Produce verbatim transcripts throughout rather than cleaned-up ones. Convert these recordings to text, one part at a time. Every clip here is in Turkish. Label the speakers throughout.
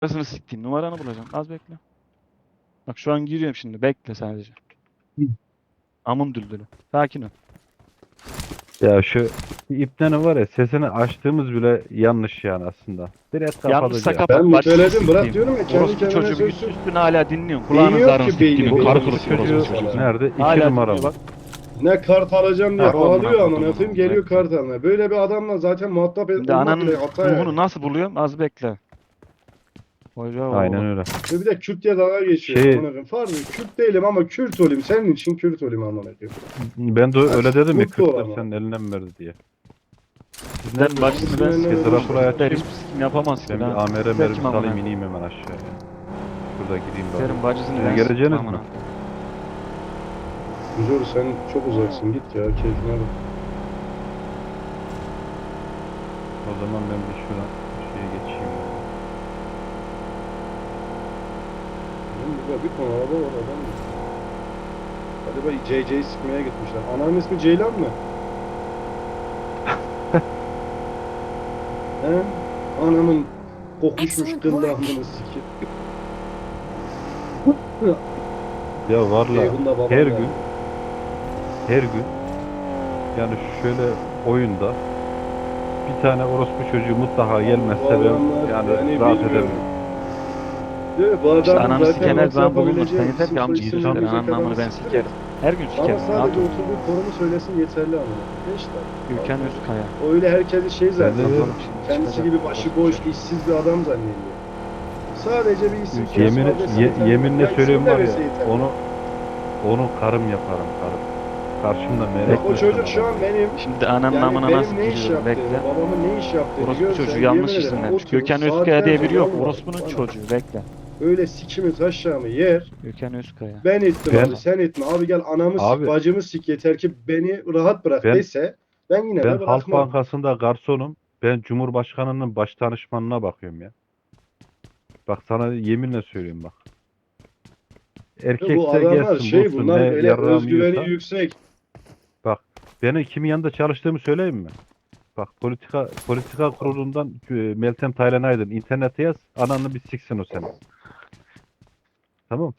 Speaker 1: Numarasını siktiğim numaranı bulacağım. Az bekle. Bak şu an giriyorum şimdi. Bekle sadece.
Speaker 2: Hı.
Speaker 1: Amın düldülü. Sakin ol.
Speaker 2: Ya şu ipten var ya sesini açtığımız bile yanlış yani aslında. Direkt
Speaker 1: Yanlışsa
Speaker 2: kapatıcı.
Speaker 1: kapat.
Speaker 3: Ben
Speaker 1: Bacısını
Speaker 3: müteledim bırak
Speaker 1: siktiğim.
Speaker 3: diyorum ya kendi
Speaker 1: Orospu
Speaker 3: kendine
Speaker 1: çocuğu
Speaker 3: söz
Speaker 1: üst üstüne hala dinliyorsun. Kulağının
Speaker 3: Dinliyor
Speaker 1: zarını
Speaker 3: ki
Speaker 1: siktiğim.
Speaker 3: beyni,
Speaker 1: Karı
Speaker 3: beyni
Speaker 1: kılıklı
Speaker 3: siktiğim
Speaker 1: orospu
Speaker 3: falan.
Speaker 1: çocuğu.
Speaker 2: Nerede? İki
Speaker 1: Hala
Speaker 2: numara
Speaker 1: dinliyor
Speaker 2: mı?
Speaker 1: bak.
Speaker 3: Ne kart alacağım diye
Speaker 1: Harbi amına
Speaker 3: ağlıyor
Speaker 1: koydum
Speaker 3: amına koyayım
Speaker 1: onu.
Speaker 3: geliyor
Speaker 1: Bekle.
Speaker 3: kart almaya. Böyle bir adamla zaten muhatap et-
Speaker 1: Şimdi
Speaker 3: olmak bile
Speaker 1: ananın
Speaker 3: hata
Speaker 1: ruhunu
Speaker 3: yani.
Speaker 1: nasıl buluyorum? Az bekle. Hoca
Speaker 2: Aynen
Speaker 1: oğlum.
Speaker 2: öyle.
Speaker 3: Ve bir de Kürt diye dalga geçiyor
Speaker 2: Şey-
Speaker 3: amına koyayım. Farklı Kürt değilim ama Kürt olayım. Senin için Kürt olayım amına koyayım.
Speaker 2: Ben de öyle dedim ya
Speaker 3: Mutlu
Speaker 2: Kürtler
Speaker 3: ol ama.
Speaker 2: senin elinden verdi diye. Siz
Speaker 1: Ben
Speaker 2: nerede?
Speaker 1: bacısını ben
Speaker 3: Bizim
Speaker 1: sikeyim.
Speaker 3: önüne
Speaker 2: Drakula'yı
Speaker 1: Kürtler
Speaker 2: açayım.
Speaker 1: hiçbir sikim yapamaz ki
Speaker 2: Ben
Speaker 1: lan.
Speaker 2: bir amere
Speaker 1: Kürtler
Speaker 2: mermi
Speaker 1: kim amına
Speaker 2: salayım
Speaker 1: koyayım?
Speaker 2: ineyim hemen aşağıya. Şurada gideyim bari.
Speaker 1: Senin bacısını
Speaker 2: Siz
Speaker 1: ben
Speaker 2: geleceğiniz
Speaker 1: sikeyim
Speaker 2: mi?
Speaker 1: amına koyayım.
Speaker 3: Güzel sen çok uzaksın git ya keyfine bak.
Speaker 2: O zaman ben bir şuradan şeye geçeyim.
Speaker 3: Oğlum burada bir ton araba var adam mı? Galiba C C'yi sıkmaya gitmişler. Ananın ismi Ceylan mı? He? Anamın kokuşmuş
Speaker 4: Excellent
Speaker 3: gırtlağını
Speaker 4: work.
Speaker 3: sikip.
Speaker 2: Ya varla
Speaker 3: Ceyhun da babam
Speaker 2: her
Speaker 3: da.
Speaker 2: gün her gün yani şöyle oyunda bir tane orospu çocuğu mutlaka gelmezse ben
Speaker 3: adamlar
Speaker 2: yani
Speaker 3: yani
Speaker 2: rahat
Speaker 3: bilmiyorum.
Speaker 2: edemiyorum.
Speaker 3: Değil mi? Bu
Speaker 1: İşte
Speaker 3: adamın
Speaker 1: ananı
Speaker 3: zaten
Speaker 1: siken her zaman
Speaker 3: WhatsApp
Speaker 1: bulunur.
Speaker 3: yapabileceği
Speaker 1: Sen yeter
Speaker 3: isim
Speaker 1: ki amcı
Speaker 3: soyisim
Speaker 2: insan-
Speaker 1: siktir.
Speaker 3: bilecek
Speaker 1: Ananın
Speaker 3: adamı
Speaker 1: amını ben
Speaker 3: siktir
Speaker 1: sikerim.
Speaker 3: et.
Speaker 1: Her gün
Speaker 3: Ama
Speaker 1: sikerim. Rahat
Speaker 3: sadece
Speaker 1: ol.
Speaker 3: oturduğu konumu söylesin yeterli amına. Beş dakika.
Speaker 1: Gülken Özkaya.
Speaker 3: O öyle herkesi şey
Speaker 2: Ben
Speaker 3: zaten.
Speaker 2: de-
Speaker 1: Bakalım şimdi
Speaker 3: Kendisi
Speaker 1: çıkacak.
Speaker 3: gibi başıboş, işsiz bir adam zannediyor. Sadece bir isim soyisim
Speaker 2: Yemin,
Speaker 3: adresi
Speaker 2: ye-
Speaker 3: yeterli.
Speaker 2: yeminle
Speaker 3: Ya isim
Speaker 2: söylüyorum var ya
Speaker 3: demesi yeterli.
Speaker 2: onu onu karım yaparım karım. Karşımda
Speaker 3: Bak
Speaker 2: melek
Speaker 3: o çocuk şu an benim
Speaker 1: Şimdi ananın
Speaker 3: yani
Speaker 1: amına
Speaker 3: benim
Speaker 1: nasıl
Speaker 3: ne iş
Speaker 1: giriyorum
Speaker 3: yaptığını,
Speaker 1: bekle.
Speaker 3: babamın ne iş yaptığını
Speaker 1: Orospu
Speaker 3: görsen
Speaker 1: çocuğu
Speaker 3: yemin
Speaker 1: yanlış
Speaker 3: ederim
Speaker 1: isimlenmiş.
Speaker 3: oturup
Speaker 1: Gökhan Özkaya diye biri yok.
Speaker 3: saatlerce
Speaker 1: Orospu'nun
Speaker 3: bana
Speaker 1: çocuğu bekle.
Speaker 3: Öyle sikimi taşağımı yer.
Speaker 1: Gökhan Özkaya.
Speaker 3: Ben ettim
Speaker 2: Ben-
Speaker 3: abi sen etme. Abi gel anamı
Speaker 2: Abi-
Speaker 3: sik bacımı sik yeter ki beni rahat bırak
Speaker 2: Ben-
Speaker 3: dese ben yine
Speaker 2: Ben
Speaker 3: de
Speaker 2: Halk
Speaker 3: bırakmam.
Speaker 2: Bankası'nda garsonum. Ben Cumhurbaşkanı'nın baş danışmanına bakıyorum ya. Bak sana yeminle söyleyeyim bak.
Speaker 3: Bu
Speaker 2: Erkekse
Speaker 3: adamlar
Speaker 2: gelsin
Speaker 3: şey
Speaker 2: bulsun
Speaker 3: bunlar
Speaker 2: ne
Speaker 3: öyle
Speaker 2: yarrağımı
Speaker 3: özgüveni
Speaker 2: yiyorsa.
Speaker 3: yüksek.
Speaker 2: Bak benim kimin yanında çalıştığımı söyleyeyim mi? Bak politika politika kurulundan e, Meltem Taylan Aydın internete yaz ananı bir siksin o seni. Tamam.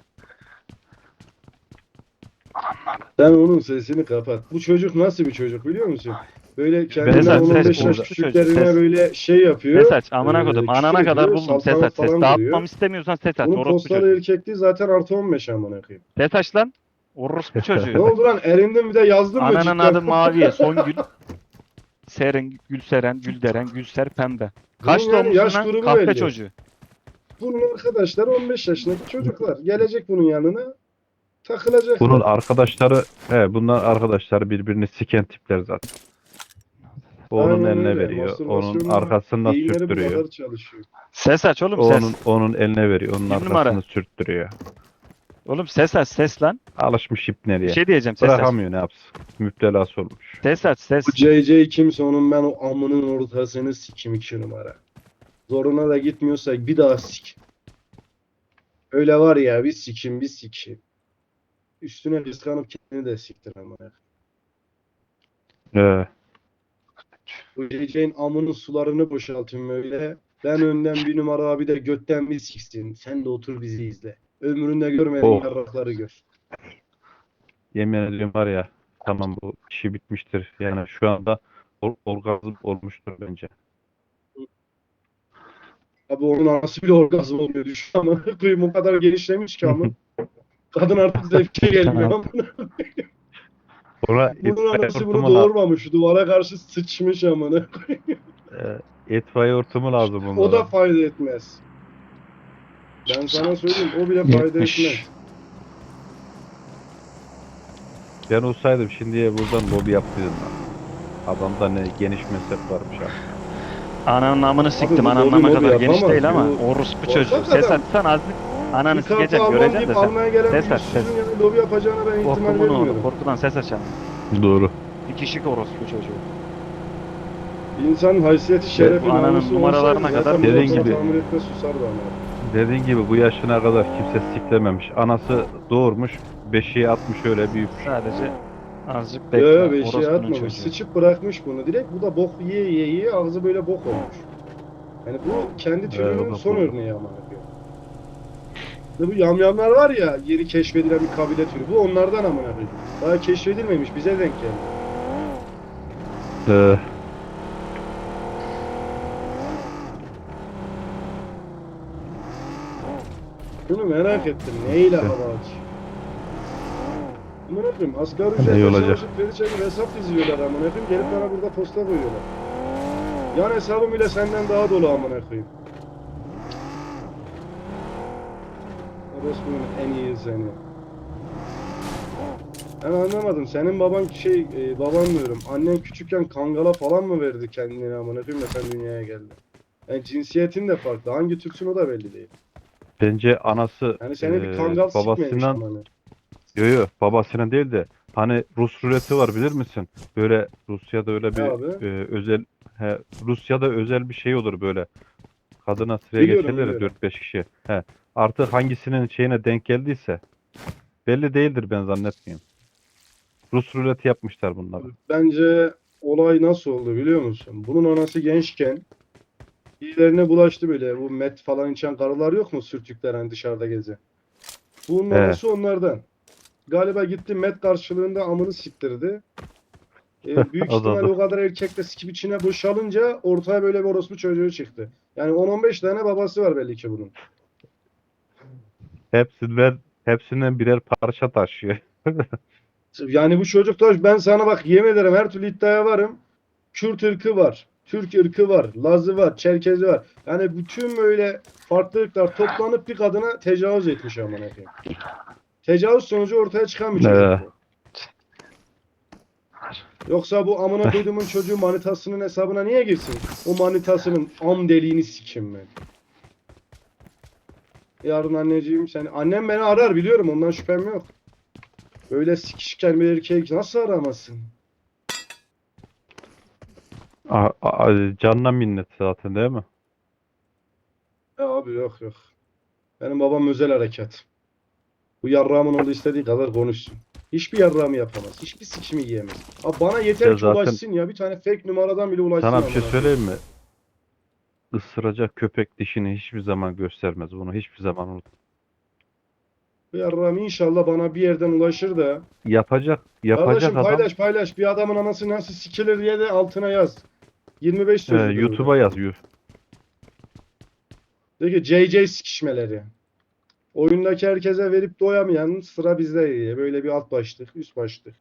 Speaker 3: Sen onun sesini kapat. Bu çocuk nasıl bir çocuk biliyor musun? Böyle kendinden
Speaker 1: Ses aç,
Speaker 3: on on
Speaker 1: ses,
Speaker 3: beş yaş
Speaker 1: orospu
Speaker 3: küçüklerine
Speaker 1: çocuğu, ses.
Speaker 3: böyle şey yapıyor.
Speaker 1: Ses aç amına
Speaker 3: Ee,
Speaker 1: koydum.
Speaker 3: küfür
Speaker 1: Anana kadar
Speaker 3: ediyor,
Speaker 1: buldum ses
Speaker 3: saltanat
Speaker 1: aç ses.
Speaker 3: falan
Speaker 1: Dağıtmam
Speaker 3: kuruyor.
Speaker 1: istemiyorsan ses aç.
Speaker 3: Bunun
Speaker 1: Orospu
Speaker 3: postalı
Speaker 1: çocuğu.
Speaker 3: erkekliği zaten artı on beş amına koyayım.
Speaker 1: Ses aç lan. Orospu
Speaker 3: Ne
Speaker 1: çocuğu.
Speaker 3: oldu lan erindin bir de yazdın mı
Speaker 1: Ananın
Speaker 3: cidden?
Speaker 1: adı Maviye. Songül. Seren, Gülseren, Gülderen, Gülser, Pembe. Kaç
Speaker 3: Bunun yani
Speaker 1: doğmuşsun
Speaker 3: yaş
Speaker 1: lan?
Speaker 3: grubu
Speaker 1: Kahpe
Speaker 3: belli.
Speaker 1: çocuğu.
Speaker 3: Bunun arkadaşları on beş yaşındaki çocuklar. Gelecek bunun yanına takılacaklar.
Speaker 2: Bunun arkadaşları he bunlar arkadaşları birbirini siken tipler zaten. O onun
Speaker 3: Aynen
Speaker 2: eline
Speaker 3: öyle.
Speaker 2: veriyor. Onun
Speaker 3: Mastürbasyonla
Speaker 2: arkasından
Speaker 3: beyinleri bu
Speaker 2: sürttürüyor.
Speaker 3: kadar çalışıyor.
Speaker 1: Ses aç oğlum
Speaker 2: O
Speaker 1: ses.
Speaker 2: onun onun eline veriyor. Onun
Speaker 1: Bir
Speaker 2: arkasını
Speaker 1: numara.
Speaker 2: sürttürüyor.
Speaker 1: Oğlum ses aç ses lan.
Speaker 2: Alışmış
Speaker 1: Bir
Speaker 2: ipneliğe.
Speaker 1: şey diyeceğim ses aç.
Speaker 2: Bırakamıyor ne yapsın. Müptelası olmuş.
Speaker 1: Ses aç ses.
Speaker 3: Bu C C kimse onun ben o amının ortasını sikim iki numara. Zoruna da gitmiyorsa bir daha sik. Öyle var ya bir sikim bir sikim. Üstüne kıskanıp kendini de siktir ama.
Speaker 2: Ee,
Speaker 3: Bu C C'nin amının sularını boşaltın böyle. Ben önden bir numara abi de götten bir siksin. Sen de otur bizi izle. Ömründe görmediğin
Speaker 2: Oh.
Speaker 3: yarrakları gör.
Speaker 2: yemin ediyorum var ya tamam bu işi bitmiştir. Yani şu anda or orgazm olmuştur bence.
Speaker 3: Abi onun anası bile orgazm oluyor düşün ama kıyım o kadar genişlemiş ki ama. Kadın artık zevke gelmiyor ama.
Speaker 2: Sonra
Speaker 3: Bunun
Speaker 2: itfaiye
Speaker 3: anası bunu
Speaker 2: hortumu, la
Speaker 3: doğurmamış. Duvara karşı sıçmış amına.
Speaker 2: e, itfaiye hortumu lazım
Speaker 3: O da
Speaker 2: onlara.
Speaker 3: fayda etmez. Ben sana söyleyeyim o bile fayda
Speaker 1: yetmiş.
Speaker 3: etmez.
Speaker 2: Ben olsaydım şimdiye buradan lobi yaptıydım lan. Adamda ne geniş meslek varmış ha.
Speaker 1: Ananın amını siktim.
Speaker 3: bu
Speaker 1: Ananın
Speaker 3: lobi
Speaker 1: ama
Speaker 3: mobi
Speaker 1: kadar geniş
Speaker 3: yapamaz.
Speaker 1: değil ama
Speaker 3: Bu-
Speaker 1: orospu
Speaker 3: bu
Speaker 1: çocuğu.
Speaker 3: hakikaten-
Speaker 1: Ses açsan azlık. Ananı
Speaker 3: Bir kartı
Speaker 1: sikecek
Speaker 3: almam
Speaker 1: göreceksin de
Speaker 3: deyip
Speaker 1: sen.
Speaker 3: almaya gelen
Speaker 1: Ses
Speaker 3: bir
Speaker 1: aç ses.
Speaker 3: yüzsüzün yani lobi yapacağına ben ihtimal
Speaker 1: Korkumun
Speaker 3: vermiyorum.
Speaker 1: oğlu. Korkudan ses açan.
Speaker 2: Doğru.
Speaker 1: Bir kişi orospu çocuğu.
Speaker 3: İnsanın haysiyeti şerefi
Speaker 1: bu ananın
Speaker 3: namusu
Speaker 1: numaralarına
Speaker 3: olsaydı
Speaker 1: kadar
Speaker 3: zaten
Speaker 2: dediğin
Speaker 3: bu olsa
Speaker 2: gibi.
Speaker 3: tahmin etme susardı ama.
Speaker 2: Dediğin gibi bu yaşına kadar kimse siklememiş. Anası doğurmuş, beşiğe atmış öyle büyümüş.
Speaker 1: Sadece azıcık bekle.
Speaker 3: Yo beşiğe
Speaker 1: Orospunun
Speaker 3: atmamış.
Speaker 1: çocuğu.
Speaker 3: Sıçıp bırakmış bunu. Direkt bu da bok yiye yiye yiye ağzı böyle bok olmuş. Yani bu kendi
Speaker 2: o
Speaker 3: türünün
Speaker 2: da
Speaker 3: son
Speaker 2: doğru.
Speaker 3: örneği ama. İşte bu yamyamlar var ya, yeni keşfedilen bir kabile türü. Bu onlardan amına koyayım. Daha keşfedilmemiş, bize denk geldi.
Speaker 2: Ee,
Speaker 3: Bunu merak ettim. Neyle
Speaker 2: Evet.
Speaker 3: hava aç? Amına koyayım, asgari
Speaker 2: İyi
Speaker 3: ücretle
Speaker 2: olacak.
Speaker 3: çalışıp veri çekip hesap diziyorlar amına koyayım. Gelip bana burada posta koyuyorlar. Yan hesabım bile senden daha dolu amına koyayım. Orospu'nun en iyi seni. Ben anlamadım. Senin baban şey, e, baban diyorum. Annen küçükken kangala falan mı verdi kendini amına koyayım da sen dünyaya geldin? Yani cinsiyetin de farklı. Hangi Türksün o da belli değil.
Speaker 2: bence anası
Speaker 3: Yani seni bir
Speaker 2: e,
Speaker 3: kangal sikmemiş
Speaker 2: babasından
Speaker 3: amına.
Speaker 2: yo yo babasının değil de hani Rus ruleti var bilir misin? Böyle Rusya'da öyle
Speaker 3: Ne
Speaker 2: bir
Speaker 3: abi?
Speaker 2: e, özel he, Rusya'da özel bir şey olur böyle. Kadına sıraya
Speaker 3: Biliyorum,
Speaker 2: geçerler ya
Speaker 3: biliyorum.
Speaker 2: dört beş kişi. He. Artık hangisinin şeyine denk geldiyse belli değildir ben zannetmiyorum. Rus ruleti yapmışlar bunları.
Speaker 3: Bence olay nasıl oldu biliyor musun? Bunun anası gençken birilerine bulaştı böyle. Bu met falan içen karılar yok mu? Sürtükler hani dışarıda gezen. Bunun
Speaker 2: He.
Speaker 3: anası onlardan. Galiba gitti met karşılığında amını siktirdi. E, büyük
Speaker 2: O da
Speaker 3: ihtimal
Speaker 2: dur.
Speaker 3: o kadar erkek de sikip içine boşalınca ortaya böyle bir orospu çocuğu çıktı. Yani on on beş tane babası var belli ki bunun.
Speaker 2: Hepsinden hepsinden birer parça taşıyor.
Speaker 3: Yani bu çocuklar, ben sana bak yemin ederim, her türlü iddiaya varım. Kürt ırkı var. Türk ırkı var. Lazı var. Çerkezi var. Yani bütün böyle farklı ırklar toplanıp bir kadına tecavüz etmiş amına koyayım. Tecavüz sonucu ortaya çıkan bir çocuk
Speaker 2: Ee,
Speaker 3: bu. Yoksa bu amına koyduğumun çocuğu manitasının hesabına niye girsin? O manitasının am deliğini sikim ben. Yarın anneciğim sen... Annem beni arar biliyorum, ondan şüphem yok. Öyle sikişken bir erkeği nasıl aramazsın?
Speaker 2: a- a- canına minnet zaten değil mi?
Speaker 3: Ya abi yok yok. Benim babam özel harekat. Bu yarrağımın oğlu istediği kadar konuşsun. Hiçbir yarrağımı yapamaz. Hiçbir sikimi yiyemez. Abi bana yeter
Speaker 2: Ya
Speaker 3: ki
Speaker 2: zaten
Speaker 3: ulaşsın ya. Bir tane fake numaradan bile ulaşsın.
Speaker 2: sana bir şey
Speaker 3: amına
Speaker 2: söyleyeyim mi? Isıracak köpek dişini hiçbir zaman göstermez. Bunu hiçbir zaman unut.
Speaker 3: Bu yarrağım inşallah bana bir yerden ulaşır da.
Speaker 2: Yapacak, yapacak
Speaker 3: Kardeşim
Speaker 2: adam
Speaker 3: paylaş paylaş. Bir adamın anası nasıl sikilir diye de altına yaz. yirmi beş
Speaker 2: e,
Speaker 3: sözlüdür
Speaker 2: YouTube'a
Speaker 3: burada.
Speaker 2: yazıyor.
Speaker 3: De ki J J sikişmeleri. Oyundaki herkese verip doyamayan sıra bizde diye. Böyle bir alt başlık, üst başlık.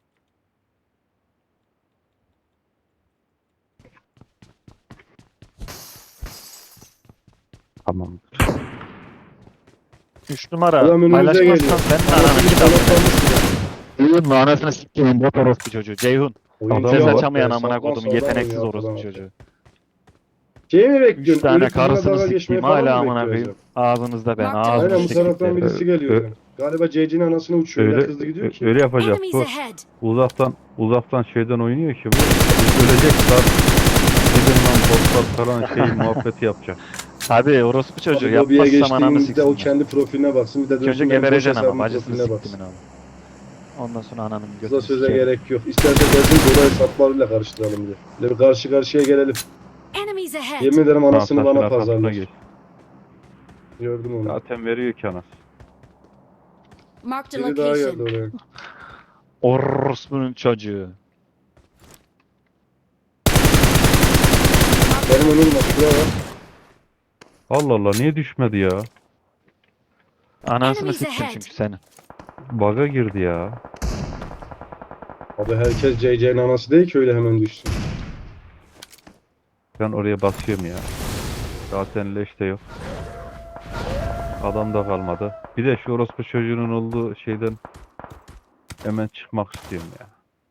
Speaker 2: Tamamdır.
Speaker 1: Üç numara
Speaker 3: Adam önümüze
Speaker 1: paylaşmazsan
Speaker 3: geliyor.
Speaker 1: senin ananı
Speaker 3: Anasını
Speaker 1: kitabını.
Speaker 3: kanatlamış bile.
Speaker 1: Ceyhun anasını sikeyim bot orospu çocuğu. Ceyhun.
Speaker 3: Oyuncu
Speaker 2: Adam
Speaker 1: Ses
Speaker 2: var.
Speaker 1: açamayan
Speaker 3: ya,
Speaker 1: amına
Speaker 3: sapma
Speaker 1: kodumu
Speaker 3: sağlam
Speaker 1: yeteneksiz
Speaker 3: oynuyor
Speaker 1: orospu
Speaker 3: falan.
Speaker 1: çocuğu.
Speaker 3: Şey mi
Speaker 1: Üç
Speaker 3: bekliyorsun?
Speaker 1: tane
Speaker 3: Ölüp bizimle
Speaker 1: karısını
Speaker 3: dalga geçmeye
Speaker 1: sikeyim
Speaker 3: falan
Speaker 1: hala
Speaker 3: mı
Speaker 1: amına
Speaker 3: bekliyor
Speaker 1: koyayım.
Speaker 3: acaba?
Speaker 1: Ağzınızda ben
Speaker 4: Marked
Speaker 1: ağzını
Speaker 3: Aynen bu taraftan
Speaker 1: siktiklerim.
Speaker 3: birisi geliyor.
Speaker 2: Ö-
Speaker 3: yani. Galiba J J'nin anasını uçuyor. Öyle
Speaker 2: Öyle
Speaker 3: hızlı gidiyor
Speaker 2: ö-
Speaker 3: ki.
Speaker 2: öyle yapacak
Speaker 4: Enemies
Speaker 2: bu.
Speaker 4: ahead!
Speaker 2: Uzaktan uzaktan şeyden oynuyor ki bu. Ölecek lan. Gidin lan botlar falan şey muhabbeti yapacak.
Speaker 1: Tabii orospu çocuğu
Speaker 3: Abi lobiye
Speaker 1: yapmazsam ananı
Speaker 3: geçtiğinde o
Speaker 1: siksinler.
Speaker 3: kendi profiline baksın. Bir de
Speaker 1: Önce
Speaker 3: dönsün benim boş
Speaker 1: gebereceksin ama
Speaker 3: hesabımın
Speaker 1: bacısını
Speaker 3: profiline
Speaker 1: siktimin
Speaker 3: baksın.
Speaker 1: abi. Ondan sonra ananın
Speaker 3: Kısa
Speaker 1: götünü
Speaker 3: söze
Speaker 1: sikerim.
Speaker 3: gerek yok. İsterse bizim dolayı hesaplarıyla karıştıralım diye. Böyle bir karşı karşıya gelelim.
Speaker 4: Enemies ahead!
Speaker 3: Yemin ederim
Speaker 2: Tamam,
Speaker 3: anasını
Speaker 2: taşın
Speaker 3: bana
Speaker 2: arkasına
Speaker 3: pazarlar.
Speaker 2: geç.
Speaker 3: Gördüm onu.
Speaker 2: Zaten veriyor ki anası.
Speaker 4: Marked a
Speaker 3: Biri daha geldi
Speaker 4: location.
Speaker 3: oraya.
Speaker 1: Orospunun çocuğu.
Speaker 3: Benim önüm var. Şuraya bak.
Speaker 2: Allah Allah niye düşmedi ya?
Speaker 1: Anasını
Speaker 4: Enemies
Speaker 1: siktim
Speaker 4: ahead.
Speaker 1: çünkü seni.
Speaker 2: Baga girdi ya.
Speaker 3: Abi herkes J J'nin anası değil ki öyle hemen düşsün.
Speaker 2: Ben oraya basıyorum ya. Zaten leş de yok. Adam da kalmadı. Bir de şu orospu çocuğunun olduğu şeyden hemen çıkmak istiyorum ya.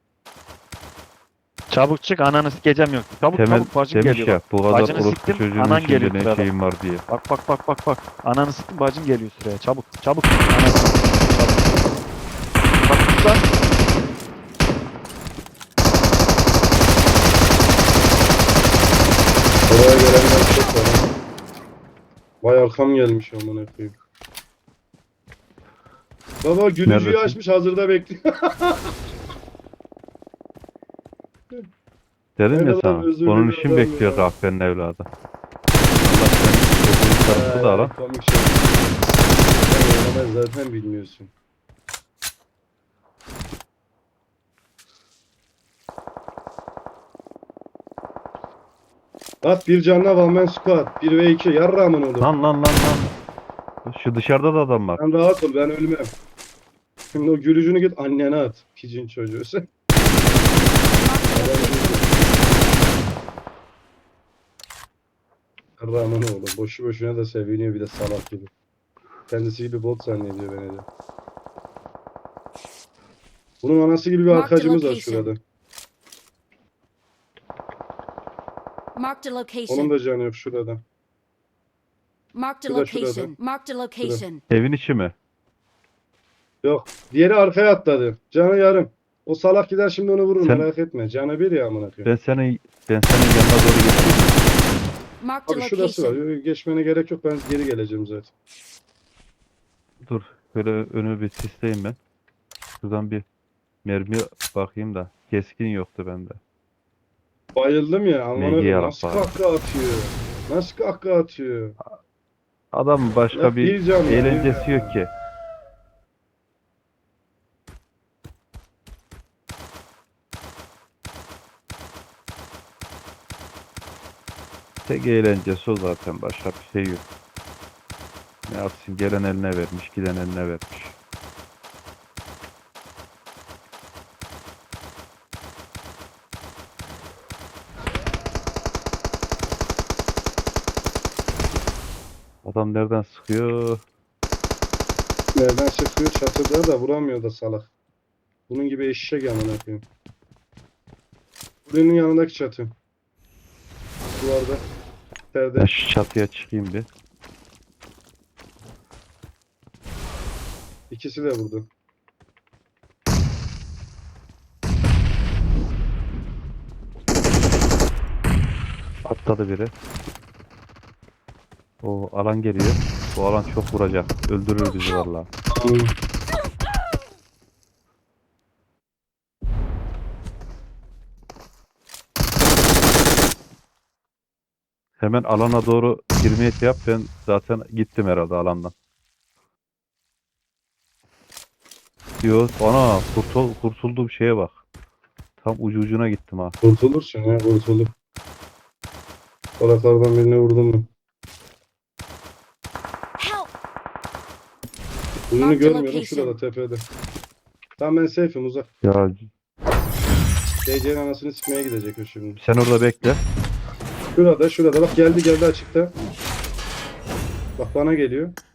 Speaker 1: Çabuk çık ananı sikeceğim yok. Çabuk
Speaker 2: Temel
Speaker 1: çabuk bacım
Speaker 2: demiş
Speaker 1: geliyor.
Speaker 2: ya bu kadar
Speaker 1: Bacını
Speaker 2: orospu
Speaker 1: siktim,
Speaker 2: çocuğunun
Speaker 1: anan
Speaker 2: içinde
Speaker 1: geliyor
Speaker 2: ne
Speaker 1: sırada.
Speaker 2: şeyim var diye.
Speaker 1: Bak bak bak bak bak. Ananı siktim bacın geliyor sıraya. Çabuk çabuk. Ananı siktim, çabuk. Bak sus lan.
Speaker 3: Oraya gelenler çok var. ha. Vay arkam gelmiş amına koyayım. Baba gülücüğü
Speaker 2: Neredesin?
Speaker 3: açmış hazırda bekliyor.
Speaker 2: Dedim
Speaker 3: Ne
Speaker 2: ya
Speaker 3: kadar
Speaker 2: sana.
Speaker 3: özürlü
Speaker 2: Onun
Speaker 3: bir
Speaker 2: için
Speaker 3: adam
Speaker 2: bekliyor
Speaker 3: ya.
Speaker 2: kahvenin evladı. tarafta da alan.
Speaker 3: Komik şey. Sen oynamayı zaten bilmiyorsun. At bir canına Valmen squad. bir ve iki. Yarrağımın oğlum.
Speaker 2: Lan lan lan lan. Şu dışarıda da adam var.
Speaker 3: Sen rahat ol, ben ölmem. Şimdi o gülücünü git annene at. Picin çocuğu sen. Yarrağımın oğlum. Boşu boşuna da seviniyor bir de salak gibi. Kendisi gibi bot zannediyor beni de. Bunun anası gibi bir
Speaker 4: Mark the
Speaker 3: arkacımız var
Speaker 4: location.
Speaker 3: şurada.
Speaker 4: Marked a
Speaker 3: Onun
Speaker 4: location.
Speaker 3: da canı yok şurada.
Speaker 4: Marked a
Speaker 3: Şurada, şurada.
Speaker 4: location. Marked a location.
Speaker 2: Evin içi mi?
Speaker 3: Yok. Diğeri arkaya atladı. Canı yarım. O salak gider şimdi onu vurur
Speaker 2: Sen-
Speaker 3: merak etme. Canı bir ya amına koyayım.
Speaker 2: Ben seni ben senin yanına doğru geçeyim.
Speaker 4: Marked a
Speaker 3: Abi şurası var.
Speaker 4: location.
Speaker 3: Geçmene gerek yok. Ben geri geleceğim zaten.
Speaker 2: Dur. Böyle önümü bir sisleyeyim ben. Şuradan bir mermi bakayım da. Keskin yoktu bende.
Speaker 3: Bayıldım ya. Amına
Speaker 2: Ne
Speaker 3: koyayım.
Speaker 2: yarak
Speaker 3: Nasıl
Speaker 2: var.
Speaker 3: kahkaha atıyor. Nasıl kahkaha atıyor.
Speaker 2: Adam başka
Speaker 3: Ya
Speaker 2: bir
Speaker 3: bir can ya.
Speaker 2: eğlencesi yok ki. Tek eğlencesi o zaten. Başka bir şey yok. Ne yapsın? Gelen eline vermiş, giden eline vermiş. Adam nereden sıkıyor?
Speaker 3: Nereden sıkıyor? Çatıda da vuramıyor da salak. Bunun gibi eşek amına koyayım. Buranın yanındaki çatı. Duvarda.
Speaker 2: Ben
Speaker 3: Perde.
Speaker 2: şu çatıya çıkayım bir.
Speaker 3: İkisi de vurdu.
Speaker 2: Atladı biri. O alan geliyor. Bu alan çok vuracak. Öldürür bizi vallahi. Hemen alana doğru girmeye şey yap. Ben zaten gittim herhalde alandan. Diyor. Ana kurtul, kurtulduğum şeye bak. Tam ucu ucuna gittim ha.
Speaker 3: Kurtulursun ya kurtulur. Salaklardan birine vurdum mu?
Speaker 4: Help!
Speaker 3: Ucunu
Speaker 4: Mark the
Speaker 3: görmüyorum
Speaker 4: location.
Speaker 3: şurada tepede. Tamam ben safe'im uzak.
Speaker 2: Ya
Speaker 3: D C'nin anasını sikmeye gidecek o şimdi.
Speaker 2: sen orada bekle.
Speaker 3: Şurada şurada bak geldi geldi açıkta. Bak bana geliyor.